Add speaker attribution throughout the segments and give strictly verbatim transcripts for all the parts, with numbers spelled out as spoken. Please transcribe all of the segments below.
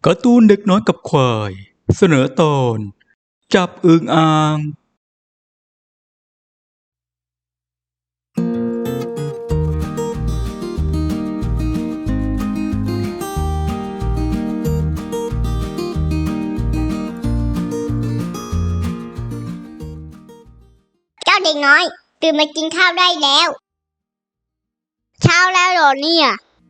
Speaker 1: การ์ตูนเด็กน้อยกับควายเสนอตอนจับอึ่งอ่าง
Speaker 2: เจ้าเด็กน้อยตื่นมากินข้าวได้แล้วเช้าแล้วเหรอเนี่ย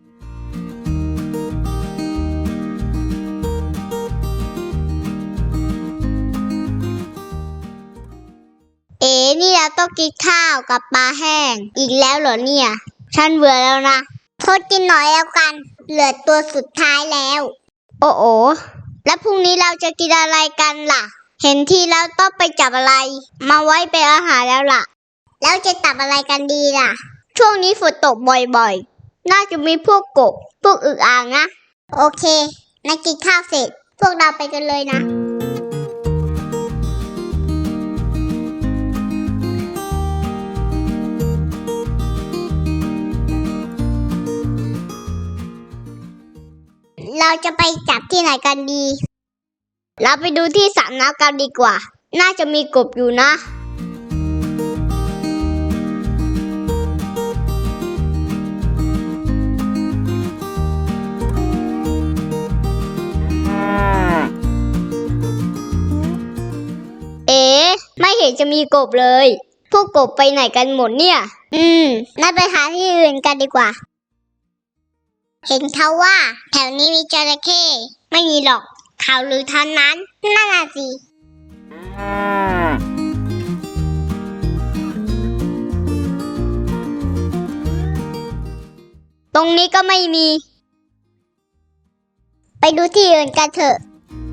Speaker 2: เอ๋นี่เราต้องกินข้าวกับปลาแห้งอีกแล้วเหรอเนี่ยฉันเบื่อแล้วนะทดกินหน่อยแล้วกันเหลือตัวสุดท้ายแล้วโอ้โอแล้วพรุ่งนี้เราจะกินอะไรกันล่ะเห็นที่เราต้องไปจับอะไรมาไว้เป็นอาหารแล้วล่ะแล้วจะจับอะไรกันดีล่ะช่วงนี้ฝนตกบ่อยๆน่าจะมีพวกกบพวกอึ่งอ่างนะโอเคนักกินข้าวเสร็จพวกเราไปกันเลยนะเราจะไปจับที่ไหนกันดีเราไปดูที่สระน้ำกันดีกว่าน่าจะมีกบอยู่นะเอ๊ะไม่เห็นจะมีกบเลยพวกกบไปไหนกันหมดเนี่ยอืมน่าไปหาที่อื่นกันดีกว่าเห็นเขาว่าแถวนี้มีจระเข้ไม่มีหรอกข่าวลือท่านนั้นน่าน่ะสิตรงนี้ก็ไม่มีไปดูที่อื่นกันเถอะ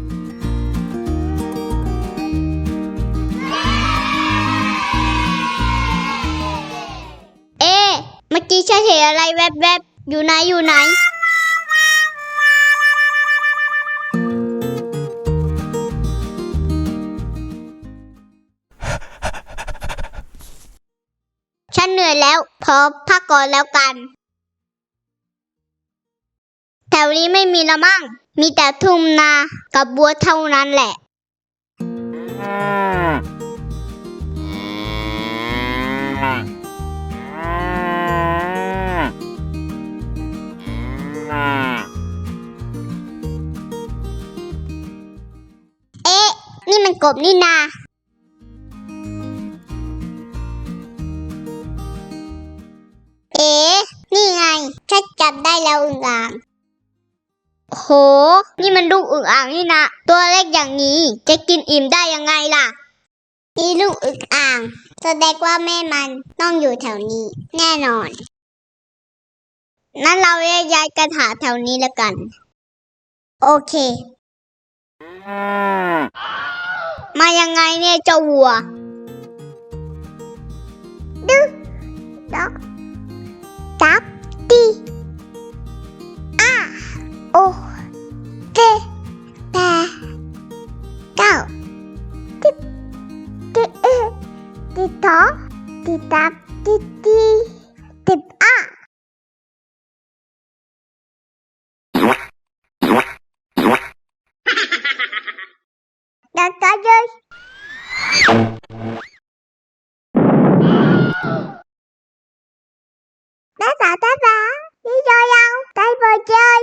Speaker 2: เอ๊ะเมื่อกี้ฉันเห็นอะไรแวบๆอยู่ไหนอยู่ไหนฉันเหนื่อยแล้วพอพักก่อนแล้วกันแถวนี้ไม่มีละมั่งมีแต่ทุ่งนากับบัวเท่านั้นแหละเอ๊ะนี่มันกบนี่นาเอ๊ะนี่ไงฉันจับได้แล้วอึ่งอ่างโหนี่มันลูกอึ่งอ่างนี่นะตัวเล็กอย่างนี้จะกินอิ่มได้ยังไงล่ะนี่ลูกอึ่งอ่างแสดงว่าแม่มันต้องอยู่แถวนี้แน่นอนนั้นเราย้ายกันหาแถวนี้แล้วกันโอเคมายังไงเนี่ยเจ้าวัวดึ๊กด็อกจับตีอ่ะโอเจแปดเก้าติดติดเอติดต่อติดตับติดตีติดอ่ะดักกันเลยđá đá đá đá đi chơi đâu tay vừa chơi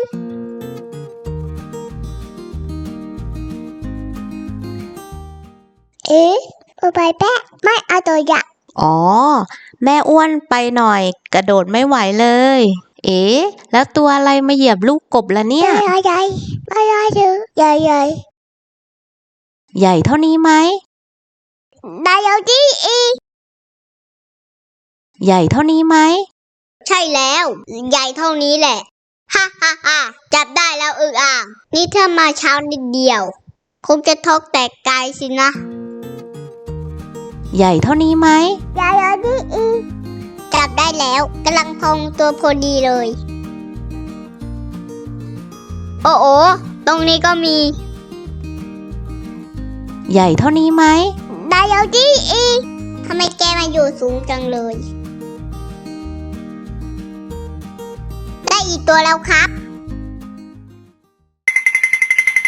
Speaker 2: เอ๊ะไปแป๊ะไม่เอาตัวใหญ่
Speaker 3: อ๋อแม่อ้วนไปหน่อยกระโดดไม่ไหวเลยเอ๊ะแล้วตัวอะไรมาเหยียบลูกกบล่ะเนี่ย
Speaker 2: ใหญ่ใหญ่ไม่ได้ถือใหญ่ใหญ่
Speaker 3: ใหญ่เท่านี้ไหม
Speaker 2: ได้แล้วจีอี
Speaker 3: ใหญ่เท่านี้ไหม
Speaker 2: ใช่แล้วใหญ่เท่านี้แหละฮ่าฮ่าฮ่าจับได้แล้วอึ่งอ่างนี่ถ้ามาเช้านิดเดียวคงจะทกแตกกายสินะ
Speaker 3: ใหญ่เท่านี้ไหม
Speaker 2: ใหญ่แล้วจีอีจับได้แล้วกำลังพองตัวพอดีเลยโอ้โอตรงนี้ก็มี
Speaker 3: ใหญ่เท่านี้ไหม
Speaker 2: ได้แล้วจีอีทำไมแกมาอยู่สูงจังเลยได้อีกตัวแล้วครับ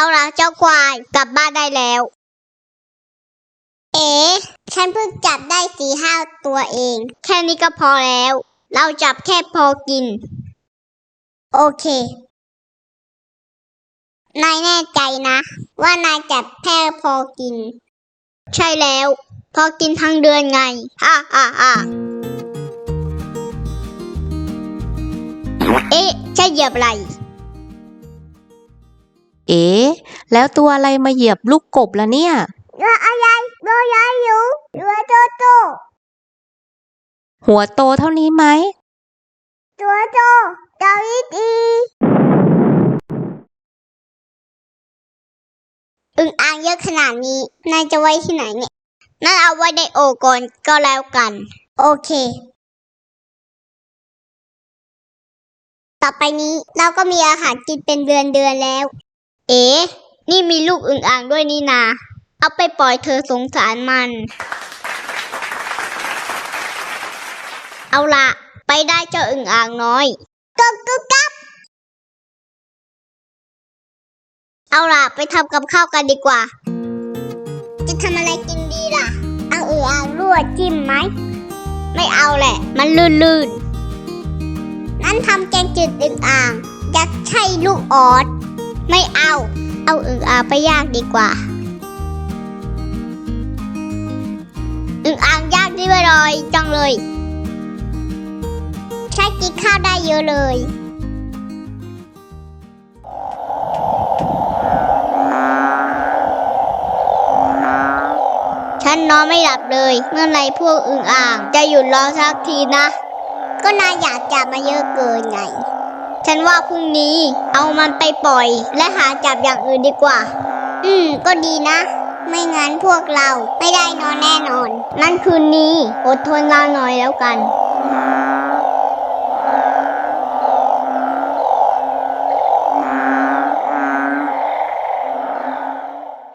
Speaker 2: เอาล่ะเจ้าควายกลับบ้านได้แล้ว เอ๋ฉันเพิ่งจับได้สี่ห้าตัวเอง แค่นี้ก็พอแล้ว เราจับแค่พอกิน โอเคนายแน่ใจนะ ว่านายจับแค่พอกิน ใช่แล้ว พอกินทั้งเดือนไงฮ่าฮ่าฮ่าเอ๊ะใช่เหยียบอะไร
Speaker 3: เอ๋แล้วตัวอะไรมาเหยียบลูกกบละเนี่ย
Speaker 2: ตัวอะไรตัวใหญ่อยู่ตัวโตโต
Speaker 3: หัวโตเท่านี้ไหม
Speaker 2: ตัวโตตัวอีดีอึ่งอ่างเยอะขนาดนี้นายจะไว้ที่ไหนเนี่ยนั่นเอาไว้ในโอ่งก่อนก็แล้วกัน โอเค ต่อไปนี้เราก็มีอาหารกินเป็นเดือนเดือนแล้ว เอ๋นี่มีลูกอึ่งอ่างด้วยนี่นา เอาไปปล่อยเธอสงสารมัน เอาละไปได้เจ้าอึ่งอ่างน้อยกบกบกับ เอาล่ะไปทำกับข้าวกันดีกว่า จะทำอะไรกินดีล่ะ เอาอึ่งอ่างลวกจิ้มไหม ไม่เอาแหละ มันลื่นๆ นั่นทำแกงจืดอึ่งอ่างอยากใช่ลูกออด ไม่เอา เอาอึ่งอ่างไปย่างดีกว่า อึ่งอ่างย่างนี่อร่อยจังเลยใช้กินข้าวได้เยอะเลย ฉันนอนไม่หลับเลย เมื่อไรพวกอึ่งอ่างจะหยุดร้องสักทีนะ ก็นายอยากจับมาเยอะเกินไง ฉันว่าพรุ่งนี้เอามันไปปล่อยและหาจับอย่างอื่นดีกว่า อืมก็ดีนะ ไม่งั้นพวกเราไม่ได้นอนแน่นอน นั่นคืนนี้อดทนเราหน่อยแล้วกัน